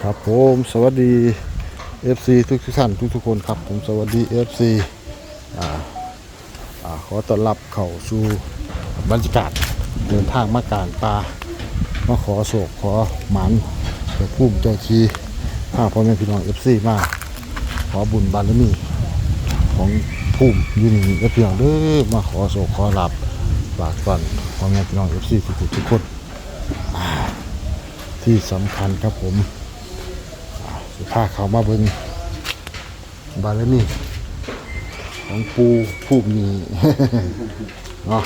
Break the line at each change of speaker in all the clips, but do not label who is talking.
ครับผมสวัสดี FC ทุกท่านทุกคนครับผมสวัสดี FC อ่าขอต้อนรับเข้าสู่บรรยากาศเดินทางมาการปลามาขอโศกขอหมันเจ้าภูมิเจ้าชีพาพ่อแม่พี่น้อง FC มาขอบุญบารมีของภูมิอยู่นี่พี่น้องเด้อมาขอโศกขอหลับฝากก่อนพ่อแม่พี่น้อง FC ทุกคนที่สำคัญครับผมพาเขามาเบิ่งบารมีของปูผู้มีเนาะ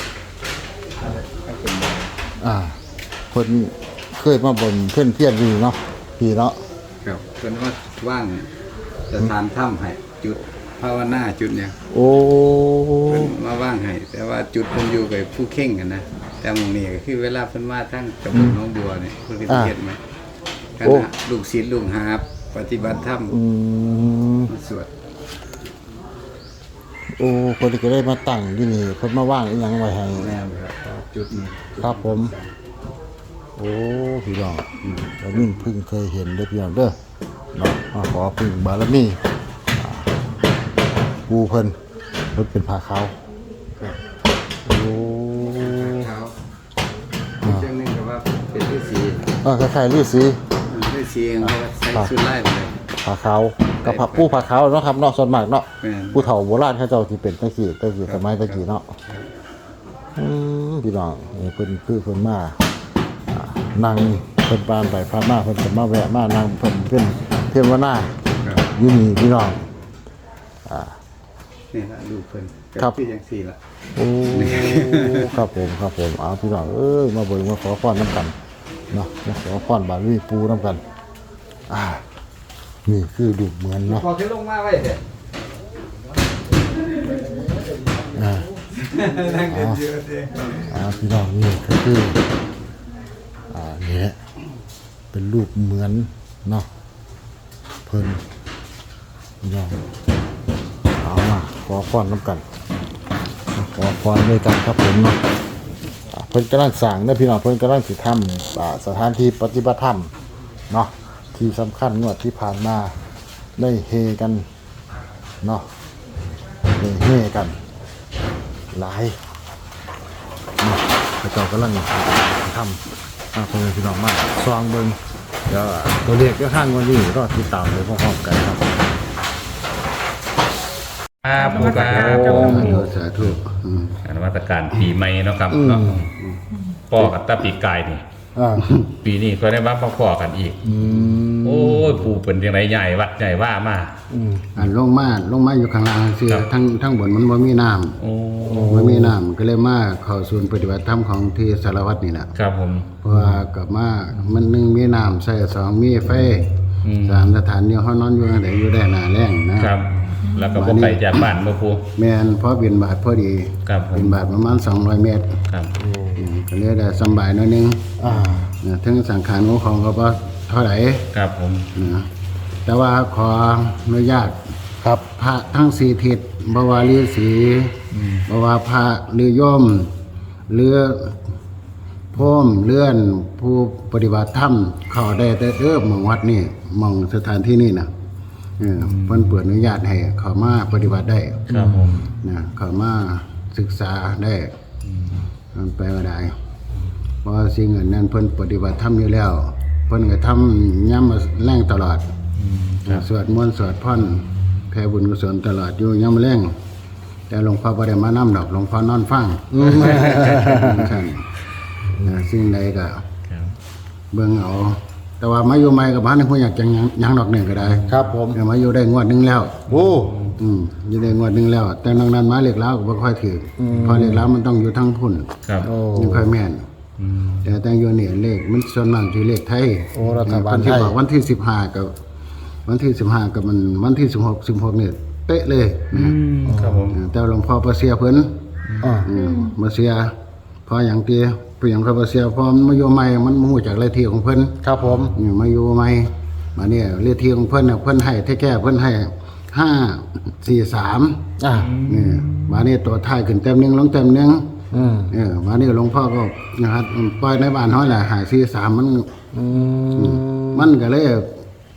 เพิ่นเคยมาบ่นเพื่อนอยู่เนาะพี่เนาะ
ครับเพิ่นว่าว่างจะทานถ้ำให้จุดภาวนาจุดเนี่ย
โอ้
เพิ่นมาว่างให้แต่ว่าจุดเพิ่นอยู่กับผู้เข่งกันนะแต่หมู่นี้ก็คือเวลาเพิ่นมาทั้งตำบลหนองบัวนี่เพิ่นเฮ็ดไหมคณะลูกศิษย์ลูกหาปฏิบัติธรรมมาสวด
โอ้คนที่ก็ได้มาตั้งที่นี่เพิ่นมาว่างอีหยังไว้ให้
แม่นครับจุดนี้
ครับผมโอ้พี่น้องแล้วนี่เพิ่งเคยเห็นเด้อพี่น้องเด้อเนาะมาขอพึ่งบารมีปูเพิ่นเป็นผ้าขาวโอ้
ขาวอีกเรื่องนึงก็ว่าเป็นฤาษี
คล้ายๆฤาษี
ฤาษีเองเขาใส่ชุดไล่ไปเลย
ผ้าขาวกับผ้าปูผ้าขาวเนาะครับเนาะส่วนมากเนาะผู้เฒ่าโบราณเขาเจ้าที่เป็นตะกี้สมัยตะกี้เนาะพี่น้องเพิ่นคือเพิ่นมานั่งเพิ่นปานไปพามาเพิ่นก็มาแวะมานั่งเพิ่นเป็นเทวนาอยู่นี่พี่น้อง
นี่ล่ะลูกเพิ่น
ครับ
คือจังซี่ล่ะ
โอ้ครับผมพี่น้องมาเบิ่งมาขอพรนํกันเนาะมาขอพรบารมีปูนํกันนี่คือดูเหมือนเนาะ
พอขึ้นลงมาไว้เด้นั่งเยอะๆเด้
พี่น้องนี่ก็คือนี่แหละเป็นรูปเหมือนเนาะเพิ่นพี่น้องเอามาขอพรนํกันขอพรด้วยกันครับผมเนาะเพิ่นกำลังสร้างนะพี่น้องเพิ่นกำลังสิทำสถานที่ปฏิบัติธรรมเนาะที่สำคัญงวดที่ผ่านมาได้เฮกันเนาะได้เฮกันหลายพระเจ้ากำลังทำเพื่อนพี่น้องมากซองเบิ้งเดี๋ยวตัวเลขก็ข้างวันนี้รอติดตามเลยพร้อมๆกันครับ
ผู้การ
สาธุ
นวัตการปีใหม่เนาะครับพ่อกับตาปีกายนี่ปีนี้ก็ได้มาพ่อกันอีกโอ้ยปู่เป็นยังไงใหญ่วัดใหญ่ว่ามา
ลงมาอยู่ข้างล่างสิทั้งบนมันบ่มีน้ำบ่มีน้ำก็เลยมาเข้าศูนย์ปฏิบัติธรรมของที่สารวัตรนี่แหละ
ครับผม
เพราะว่ากับมามัน1มีน้ำใส่2มีไฟ3สถานที่เฮานอนอยู่ได้อยู่ได้หน้าแล้งนะครับ
แล้วก็บ่ไกลจากบ้านบ่ปู่
แม่นพอบิณฑบาตพอดีบิณฑบาตประมาณ200เมตร
ครับ
ก็เลยได้สบายหน่อยนึงถึงสังขารของเขาบ่เท่าไหร่
ครับผม
แต่ว่าขออนุญาต
ครับ
พระทั้ง4ทิศบ่ว่าฤาษีบ่ว่าพระหรือโยมหรือพรหมเลื่อนผู้ปฏิบัติธรรมเข้าได้แต่หม่องวัดนี่หม่องสถานที่นี่น่ะเพิ่นเปิดอนุญาตให้เข้ามาปฏิบัติได้
ครับผม
เข้ามาศึกษาได้มันไปว่าได้เพราะสิ่งนั้นเพิ่นปฏิบัติธรรมอยู่แล้วเพิ่นก็ทำย่ำแรงตลอดสวดมนต์สวดพรแผ่บุญกุศลตลอดอยู่ย่ำแรงแต่หลวงพ่อบ่ได้มานำดอกหลวงพ่อนอนฟังสิ่งใดก็เบิ่งเอาแต่ว่ามาอยู่ใหม่กับบ้านนี่ผู้อยากจังยังดอกหนึ่งก็ได้
ครับผม
มาอยู่ได้งวดนึงแล้ว
โอ้
อยู่ได้งวดนึงแล้วแต่นอกนั้นมาเรียกแล้วก็บ่ค่อยถือพอเรียกแล้วมันต้องอยู่ทั้งพุ่น
ครับ
ยังค่อยแม่นแต่อยู่นี่เลขมันส่วนมากที่เลขไทย
รัฐบาลไทย
วันที่15กับวันที่15กับมันวันที่16นี่เป๊ะเลย
ครับผม
แต่หลวงพ่อประเสียเพิ่นมาเสียพออย่างที่เปลี่ยนคาเสียพอมาอยู่ใหม่มันมูจากเลขที่ของเพิ่น
ครับผม
มาอยู่ใหม่มาเนี่ยเลขที่ของเพิ่นเนี่ยเพิ่นให้แท้ๆเพิ่นให้543นี่มาเนี่ยตัวท้ายขึ้นเต็มนึงลงเต็มนึงมาเนี่ยหลวงพ่อก็นะครับปล่อยในบ้านเฮาแหละ543มันก็เลย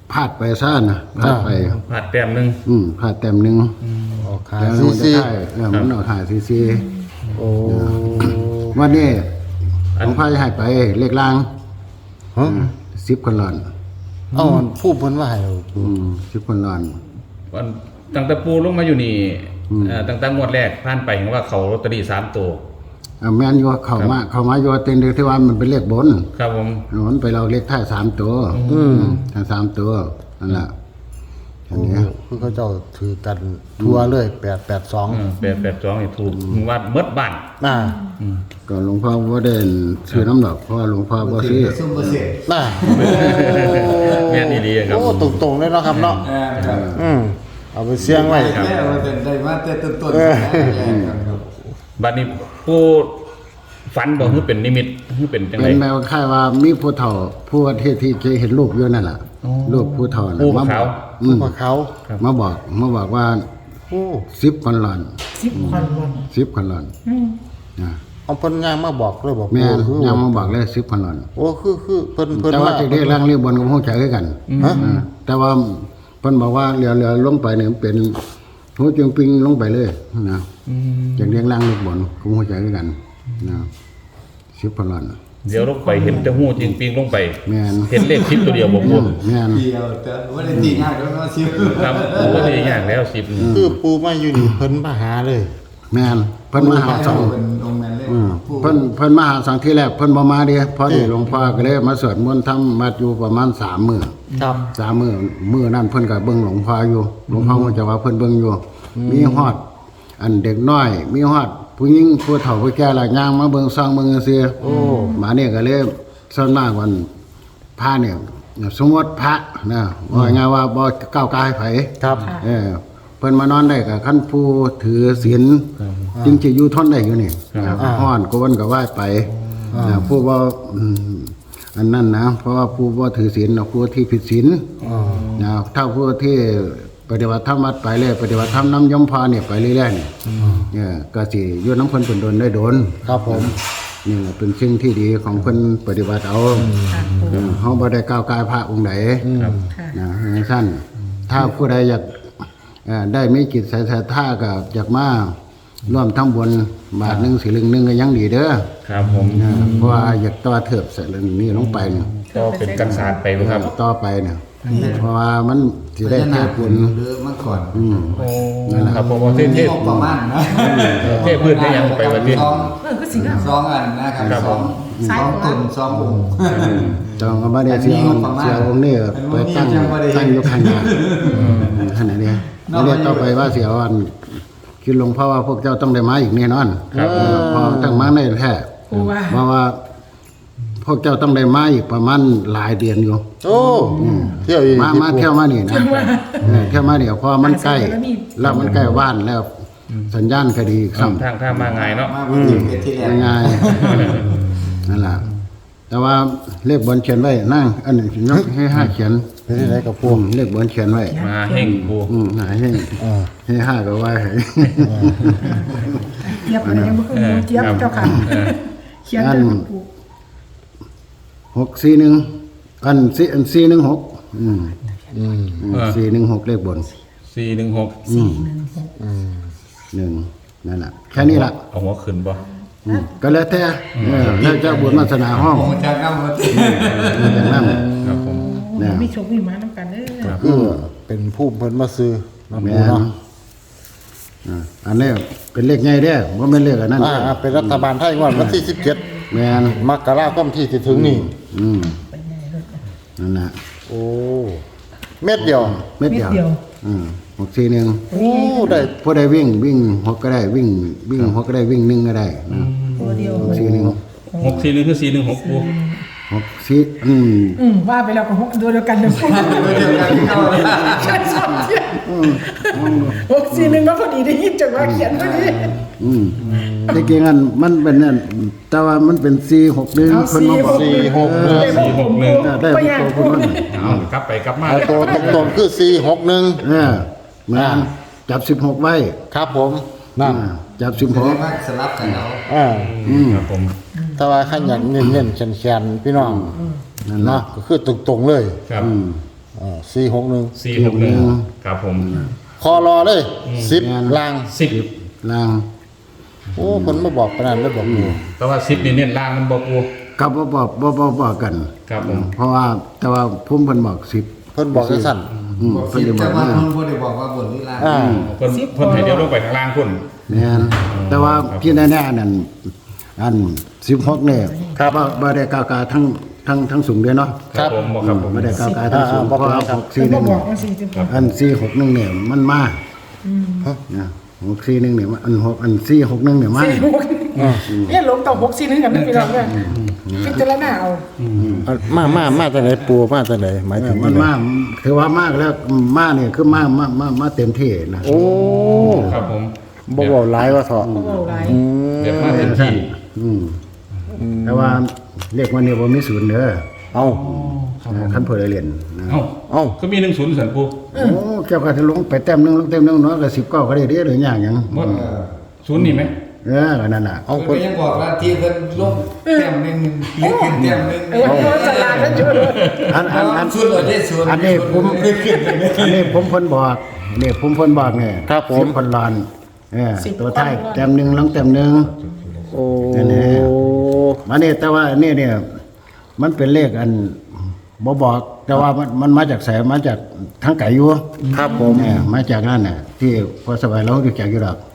พลาดไปซ่านะพลาดไป
พลาดแต้มหนึง
พลาดแต้มหนึง
ออกขา
แล้ว
ซี
มันจะ
ซี
ได้มันออกหาซีซี
โอ้
วันนี้หลวงพ่อจะให้ไปเลขล่าง
ฮะ
10คนหลอน
เอ้าผู้เพิ่นว่าให้
10คนหลอน
วันตั้งแต่ปูลงมาอยู่นี่ตั้งแต่งวดแรกผ่านไปเห็นว่าเขาลอตเตอรี่3ตัว
แม่นอยู่เข้ามาอยู่เต็มที่ว่ามันเป็นเลขบน
ครับผม
มันไปเราเลขท้าย3ตัวทั้ง3ตัวนั่นแหละอัน
โอ้
นี้
คือเขาเจ้าถือกันทั่วเลย882
882นี่ถูกว่าเมดบ้าน
น่ะ
ก็หลวงพ่อบ่ได้ซื้อน้ำดอกเพราะว่าหลวงพ่อบ่ซื้อ
ซุ่มเปอร์เซ็นต์
น่ะ
แม่นดีๆครับ
โอ้ตรงๆเลยเนาะครับเนาะ
ครับ
เอาไปเสี่ยงไว้
แม่ว่าเป็นได้มาแต่ต้นๆครับ
บัดนี้ผู้ฝันบอกคือเป็นนิมิตคือเป็นจังได
เป็นแมวค่ายว่ามีผู้เฒ่าผู้ที่เคยเห็นรูปอยู่นั่นแหละรูปผู้เฒ่าน่ะ
ผู้
มาบ
ขา
อ
ว
ก
พวกเขา
มาบอกว่า
โอ้
10คนหลอน
10 คนวัน
10คนหลอนนะ
เอาเพิ่นย่างมาบอกเลยบอก
แม่
คือ
ยังมาบอกเลย10คนหลอน
โอ้คือเพิ่น
แต่ว่า
มา
จะได้ร่างเรียบบนกับฮู้ใจคือกัน
ฮะ
แต่ว่าเพิ่นบอกว่าเรือลงไปเนี่ยเป็นหูจึงปิงลงไปเลยนะจากเรียงร่างเรียบบนกับฮู้ใจคือกันนะ10คนหลอน
เดี๋ยวลงไปเห็นแต่หูจริงปิงลงไป
แม่น
เห็นเลข10ตัวเดียวบ่พูด
แม่น
เดียวแต่ว่าได้ตีง่ายแล้วมาซิว
ครับโอ้ยยากแล้ว10
คือปูมาอยู่นี่เพิ่นมาหาเลย
แม่นเพิ่นมาหาสอง
เป็นองค์นั้นเลย
เพิ่นมาหาสังที่แรกเพิ่นบ่มาเด้พอดีหลวงพ่อก็เลยมาสวดมนต์ทำมาอยู่ประมาณ3มื้อ
ครับ
3มื้อนั้นเพิ่นก็เบิ่งหลวงพ่ออยู่หลวงพ่อก็จะว่าเพิ่นเบิ่งอยู่มีฮอดอันเด็กน้อย มีฮอดผู้หญิงผู้เฒ่าผู้แก่หลายอย่างมาเบิ่งซองเบิ่งซื่อโอ้มาเนี่ยก็เลยส่วนมากวันพระเนี่ยสมมติพระนะว่าง่ายว่าบ่ก้าวกายไผ
ครับ
เพิ่นมานอนได้กับขั้นผู้ถือศีลจึงจะอยู่ทนได้อยู่นี่ฮ้อนก็วันก็ไหว้ไปผู้ว่าอันนั้นนะเพราะว่าผู้ว่าถือศีลผู้ที่ผิดศีลนะถ้าผู้ที่ปฏิบัติธรรมวัดไปเลยปฏิบัติธรรมน้ำยมพาเนี่ยไปเรื่อยๆเนี่ยก็สิอยู่น้ำเพิ่นเป็นโดนได้โดน
ครับผม
นี่แหละเป็นสิ่งที่ดีของเพิ่นปฏิบัติเอาเฮาบ่ได้ก้าวกายพระองค์ใดนะสั้นถ้าผู้ใดอยากได้มีจิตศรัทธาก็อยากมาร่วมทำบุญบาทหนึงสิลึงหนึงก็ยังดีเด้อ
ครับผม
เพราะว่าอยากต่อเถิบใส่เรื่องนี้ลงไปเนี่ย
ก็เป็นกันศาสตร์ไปบ่ครับ
ต่อไปเนี่ยเพราะว่ามันสิได้แค่บุญ
หรือเมื่อก่อน
โอ้ครับผมเทพ
มีงบประมาณนะ
เทพพื้นได้ยังไปวันนี้
ก็สิงห์
สองอันนะครับสองตุ่นสององค์
จองก็บ่ได้เสียองค์นี้ไปตั้งอยู่ข้างหน้าขนาดนี้แล้วต่อไปว่าเสียวันคิดหลวงพ่อว่าพวกเจ้าต้องได้มาอีกแน่นอนพอตั้งมาได้แท้
ปูว่า
เพราะว่าพวกเจ้าต้องได้มาอีกประมาณหลายเดือนอยู่
โอ้เที่ยวอีก
มาเที่ยวมานี่นะเที่ยวมาเนี่ยพอมันใกล้แล้วมันใกล้บ้านแล้วสัญญาณก็ดีซ้ำ
ทางมาง่ายเนาะ
มาวันที่เป็นที่แรก
ง่ายๆนั่นแหละแต่ว่าเลขบนเขียนไว้นั่งอันนี้ยกให้ห้าเขียน
เป็นที่ไหนกับปู
เลขบนเขียนไว้
มาเฮงปู
หายให้ห้าก็ไว้ให้
เจี๊ยบอะไรยังบ่คือเจี๊ยบเจ้าค่ะเขียนจนปู
641อัน416416เลขบน
416
1นั่นแหละแค่นี้ล่ะ
เอาหัวขึ้นบ่
ก็แล้วแต่แล้วเจ้าบุญวาสนาห้อง
องค์จากน้ำมาตี
อย่างนั้น
ครับผม
มีโชคมีหมานํกันเด้อ
คือเป็นผู้เพิ่นมาซื้อมา
แม่
ปู
น
เนาะ
อันนี้เป็นเลขใหญ่เด้อบ่แม่นเลขอันนั้น
เป็นรัฐบาลไทยงวดวันที่17
แม่น
มกราคมที่จะถึงนี่
นั่นน่ะ
โอ้เม็ดเดียว
เม็ด
นิ
เดี
ด
ยว
เดียว
641
โอ้ได้
ผู้ใดวิ่งหกก็ได้วิ่งหกก็ได้วิ่งหนึ่งก็ได้
ตัวเดียว
641
641คือ416ปู
64
ว่าไปแล้วก็ตัวเดียวกันเด้อปู
เดียวกันเข้า
ใช่สองเที่ย641เนาะพอดีได้ยินจังว่าเขียนพอดี
แต่เก่งอันมันเป็นนั่นแต่ว่ามันเป็น461คนมาบอก
461
ได้ตัวคนนั้น
เอากลับไปกลับมา
เอาตัวตรงๆคือ461
มันจับ16ไว้
ครับผมนั่น
จับ
แสดง
16
ว่าสลับกันเอา
ครับผม
แต่ว่าขันอยากเน้นๆแขนๆพี่น้อง
นั่น
เนาะ
เนาะ
ก็คือตรงๆเลย
ครับ
ม
461
461ครับผม
คอรอเลย10ลาง
10
ล่าง
โอ้คนมาบอกปานนั้นเลยบอกอยู่
แต่ว่า10นี่เน้นล่างมันบ่ปู
กับบอกกัน
ครับผม
เพราะว่าแต่ว่าพุ่มเพิ่นบอก10
เพิ่นบอกจังซั่น
บอก
เพิ่น
สิบ
จะบ
แต่
อก
ว่า
ว่า
คนบ่ได้บอกว่าบนหรือล่าง
เพิ่นให้เดี๋ยวลงไปข้างล่างพุ่น
แม่นแต่ว่าที่แน่ๆนั่นอัน16เนี่ยบ่ได้กากาทั้งสูงเด้เนาะ
ครับผมบ่ครับผม
บ่ได้กากาทั้งสูงเพราะว่า
เป็นบ่บอก
641
ว่า40
อัน461เนี่ยมันมานะ641เนี่ยอัน461เนี่ยมา
เนี่ยลงต่อ641กันนะพี่น้องเด้อพิจารณาเอา
มาจากไหนปูมาจากไหนหมายถึง
มันมาถือว่ามากแล้วมาเนี่ยคือมาเต็มที่นะ
โอ้
ครับผม
บ่เว้าหลายว่าเถาะ
บ่เว้าหลาย
เดี๋ยวมาเต็มที่
แต่ว่าเรียกว่าเนี่ยบ่มีศูนย์เด้อ
เอ้า
คันเพิ่นเรียนนะ
เอ้าก็มี10สันปู
โอ้เกี่ยวกับลงไปแต้มนึงลงเต็มนึงน้อยก็19ก็ได้เด้อหรืออย่างหยัง
หมดศูนย์นี่ไหม
ก็นั่นน่ะ
เอา
เพิ่
เพิ่น
นก็ยังบอกว่าที่เพิ่นลงแต้มหนึงหรือขึ้นแต้มหนึง
ว่าจะลากันอยู่
อัน
ชุดเราได้ส่วน
อันนี้ผมอันนี้ผมเพิ่นบอกนี่ผมเพิ่นบอกเนี่ย10เพิ่นลอนตัวท้ายแต้มนึงลงแต้มนึง
โอ้
นั่นแหละ มาเนี่ยแต่ว่าเนี่ยมันเป็นเลขอันบ่บอกแต่ว่ามันมาจากแสนมาจากทางไก่อยู่
ครับผม
เนี่ยมาจากนั่นน่ะที่พอสบายเราอยู่จากอยู่ดอก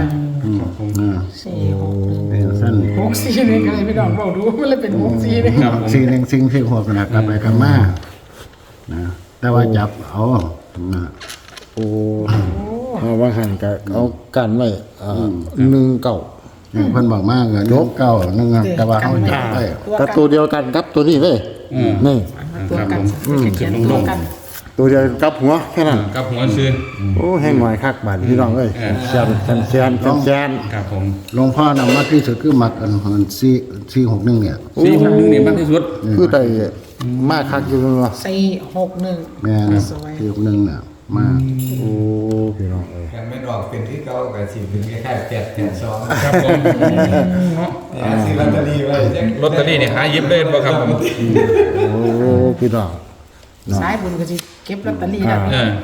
เป็นสั้น
641กันเลยพี่น้องเว้าดูมันเลยเป็น641
ครับผม
สิ่งที่หัวกันกลับไปกลับมานะแต่ว่าจับเอานะ
โอ้เอาว่าหันก็เอากันไว้19
อย่างเพิ่นบอกมากเงินเก้านึงแต่ว่าเขาจับได้
กับตัวเดียวกันครับตัวนี้เลยนี่
ตัวกันเขียนตัวกัน
ตัวเดียวกับหัวแค่นั้น
กับหัวซื้อ
โอ้แห้งหน่อยคักบาดพี่น้องเอ้ยแซน
ครับผม
หลวงพ่อนำมาที่สุดคือมักอัน461เนี่ย
461นี่มากที่สุด
คือได้มากคักอยู่เนาะ
461
แม่น461น่ะมา
โอ้พี่น้องเอ้ย
ยังไม่ออกเป็นที่เก่าก็สิเป็นคล้ายๆ882
ครับผม
สิลอตเตอรี่ไว้จัง
ลอตเตอรี่นี่หาหยิบเล่นบ่ครับผม
โอ้พี่น้อง
สายบุญก็สิเก็บลอตเตอรี่ได้
เออ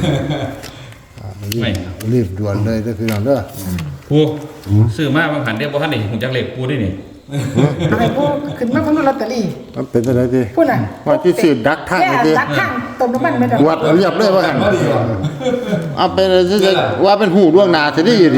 ไม่
รีบด่วนเลยเด้อพี่น้องเด้อ
ปูซื้อมาบางหันเรียกบ่ทันนี่หูจักเลขปูได้นี่
อะไรพวกขึ้นมาของลอตเตอรี่
มันเป็นจังได๋ติ
พูดน่ะ
ว่าที่สิดักทาง
แค่
นี่ติ
ดักข้างต้มน้ำมันไม่ได้
วัดเอาเรียบเลยว่าหั่นเอาเป็นว่าเป็นหูล่วงหน้าสิได้อยู่นี่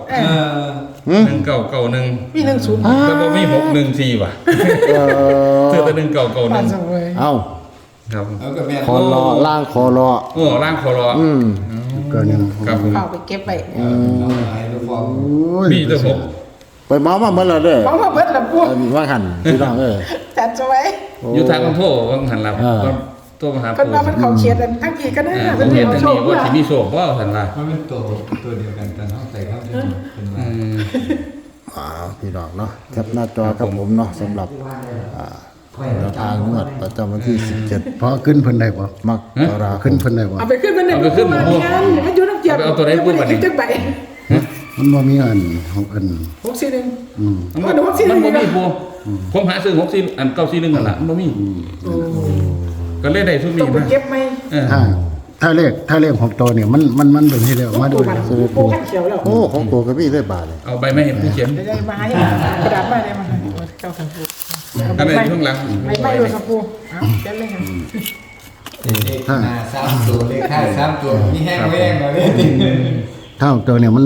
1991
มี10
ก็บ่มี614ว่ะ
เออ
ซื้อแต่
ปาน
1991
สวย
เอา
ครับ
เอาก็แม่น
คอรอล่างคอรอ
โอ้ร่างคอรอ
ก็นึง
ครับผม
เอาไปเก็บไว้
ให้ลูกฟอง
มีแต่6
ไปเมามาเมื่อแล้วเด้อ
เพราะว่าเบิดละพวก
ว่าหั่นพี่น้องเอ้ย
จัดสวย
อยู่ทางอำเภอบางหันล่ะตัวมหา
เพิ่นว่ามันเข้าเขียนทั้งกี่ก็ได้
ผมเห็นอันนี้ว่าสิมีโชคบ่ซั่นล่ะ
มันเป็นตัวเดียวกันแต่เนาะใส่เข้าเป็นว่า
พี่น้องเนาะแคปหน้าจอครับผมเนาะสำหรับแนวทางงวดประจำวันที่ 17
พอขึ้นเพิ่นได้บ่
มกราค
ขึ้น
ม
เพิ่นได้บ่
เอาไปขึ้นมันงานมันอยู่น้ำเกียร์จังใบ
มันบ่มีอันของอัน
641
มันบ่มีปูผมหาซื้อ64อัน941นั่นล่ะมันบ่มีก็เลยได้ซุม
ต้
นี้
องไป
มา
เก็บไหม
ถ้าเลขของตัวเนี่ยมันเป็นที่แล้วมาดู
ปูขั้นเขียวแล้ว
โอ้ของตัวก็มีได้บาทเลย
เอาใบไม้เห็นผู้เขียน
ได้มาให้กระดาษมาได้มาเจ้าสังปู
อันไหนข้างหลัง
ไม่ดูสังปูเอาเก็บเลยครับ
เลขหน้า3ตัวเลขท้าย3ตัวมีแห้งแรงเลย
ถ้าของตัวเนี่ยมัน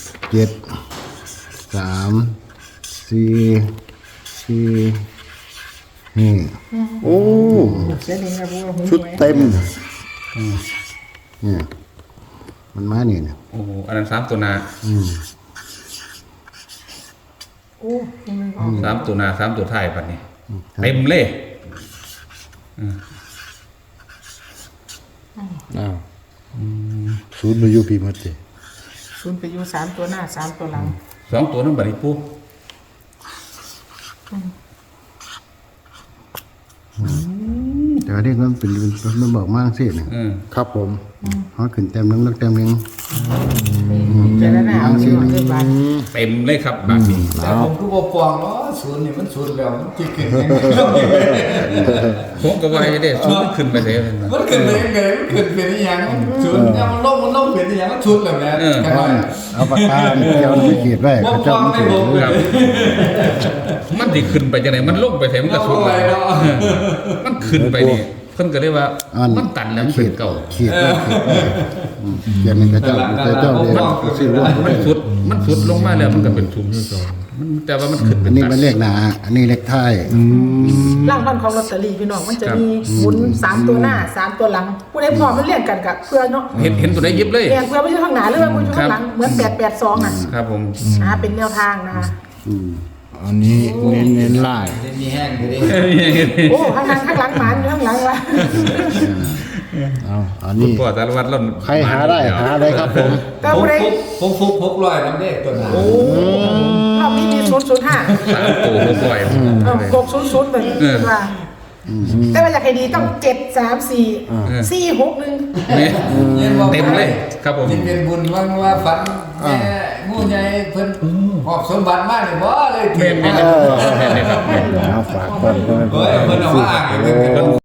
7 3 4 นี่
โอ้
เสียดีครับปู
ชุดเต็ม
เนี่ยมันมานี่เนี่ย
โอ้โหอันนั้น3ตัวหน้า
โอ้ยังไม่ออก
3ตัวหน้า3ตัวท้ายบัดนี้เต็มเลย
อ้าวศูนย์มาอยู่พี่หมดสิ
ศูนย์ไปอยู่3ตัวหน้า3ตัวหลัง
2ตัวนั้นบัดนี้ปู
แต่ว่าเด็กมันเป็นมันบอกมากสิเนี่ย
อืม
ครับผม
เขาขึ้นเต็มนึงแล้วเต็มนึง
จ
จารณาเอาสิว่าเกินบาท
เต็มเลยครับบาทนี้
แต่ผมก็บอกฟองเนาะศูนย์นี่มันศูนย์แล้วมันจะขึ้นยังไง
ผมก็ว่าได้สูงขึ้นไปเลย
มันขึ้นไปยังไงมันขึ้นเป็นอย่างศูนย์เนี่ยมันลงเป็นอย่างมันชุดแล้วแม่แค่นั้น
เอาปากกาเกี่ยวไปขีดไว้
บอก
เขา
ฟ
เจ้า
อง
มัน
ไม่
ถือ
บอกเลย
ครับมันสิขึ้นไปจังไหนมันลงไปแถมมันก็สุดเลยมันขึ้นไปนี่เพิ่นก็เลยว่ามันตันแล้วมันเป็นเก่า
ขีดไว้เขียนในกระเจ้าเรียกซื้อร่วม
มันสุดลงมาแล้วมันก็เป็นทุนที่สองมันแต่ว่ามันขึ้นเป็
อั
น
นนี้
ตั
มันเลขหนาอันนี้เลขท้าย
ร่างพันของลอตเตอรี่พี่น้องมันจะมีหมุน3ตัวหน้า3ตัวหลังผู้ใดพอมันเรียกกันกับเพื่อเนาะ
เห็นตัวไหนยิบเลย
เรียกเพื่อไม่ใช่ข้างหน้าหรือว่ามันอยู่ข้างหลังเหมือน882อ่ะ
ครับผม
เป็นแนวทางนะคะ
อันนี้เน้นไล่
มีแห้งอยู่ดิ
โอ้ข้างหลังหมันอยู่ข้างหลังวะ
เอาอัน
คุณ
นี้
พ่อสารวัตรเรา
ใครหาได้หาเลยครับผม
แต่
ผม
ผู้ใด
ผมฟุก600น้ำเด็กตัวนั้น
รอบนี้มี005
สามตัวผู้ป่วย
600เหมือนว่าแต่ว่าอยากให้ดีต้อง7 3 4 4 6 1
เต็มเลยครับผม
จิเป็นบุญว่าฝันแม่งูใหญ่เพิ่นหอบสมบัติมาเลยบ่เลย
เมนครับเมนครับ
เอาฝากก่อน
เฮ้ยเพิ่นเอามาอ่างให้เพิ่น